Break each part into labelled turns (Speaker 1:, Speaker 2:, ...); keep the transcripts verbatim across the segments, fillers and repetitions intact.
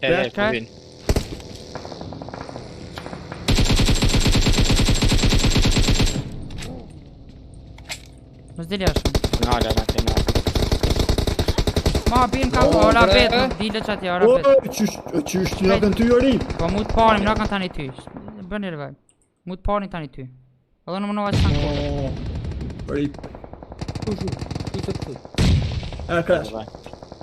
Speaker 1: Yeah, yeah,
Speaker 2: Okay.
Speaker 1: win.
Speaker 2: نزل يا شو
Speaker 1: No, no, no, no.
Speaker 2: ما بين كم
Speaker 3: Oh,
Speaker 2: ولا
Speaker 3: bre.
Speaker 2: بيت دي لشات يا
Speaker 3: Åh,
Speaker 2: رب
Speaker 3: tjus, tjus, jag kan inte göra det.
Speaker 2: وموت باري من كان تاني تي بني الفاي موت باري تاني تي اظن من واحد كان
Speaker 3: Åh, rip. Tjus, tjus, tjus, tjus. Äh, crash.
Speaker 1: Bye.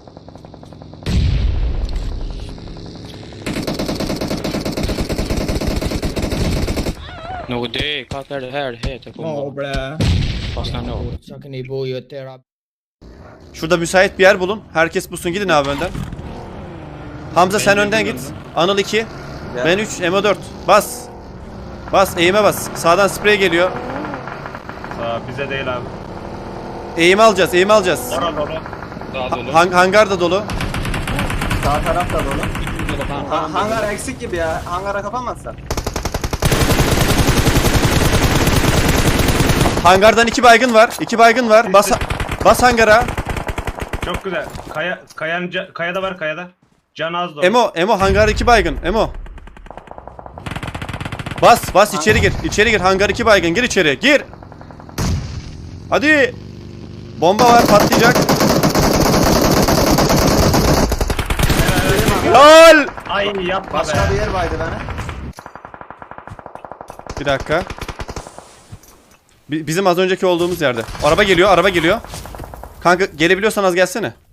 Speaker 1: No, det kakar det här heter
Speaker 3: Åh,
Speaker 1: kommer
Speaker 3: blä.
Speaker 1: fastna no.
Speaker 4: Sakın İbo yeter abi.
Speaker 5: Şurada müsait bir yer bulun. Herkes bulsun, gidin abi önden. Hamza sen önden git. Anıl iki. Ben üç. Emo dört. Bas. Bas. Eğime bas. Sağdan sprey geliyor.
Speaker 6: Sağ bize değil abi.
Speaker 5: Eğimi alacağız. Eğimi alacağız.
Speaker 6: Orada dolu.
Speaker 1: Daha dolu.
Speaker 5: Hang hangar da dolu.
Speaker 7: Sağ taraf da dolu.
Speaker 1: Dolu kan.
Speaker 7: Ha, hangar eksik gibi ya. Hangara kapamazsan.
Speaker 5: Hangardan iki baygın var. İki baygın var. Bas bas hangara.
Speaker 6: Çok güzel. Kaya kayan ca- kayada var kayada. Can az dolu.
Speaker 5: Emo, Emo hangar iki baygın. Emo. Bas, bas içeri gir. İçeri gir. Hangar iki baygın. Gir içeri. Gir. Hadi. Bomba var, patlayacak. Lol.
Speaker 6: Ay yapma
Speaker 7: Başka
Speaker 6: be.
Speaker 7: bir yer vardı bana.
Speaker 5: Bir dakika. Bi- Bizim az önceki olduğumuz yerde. Araba geliyor, araba geliyor. Kanka gelebiliyorsan az gelsene.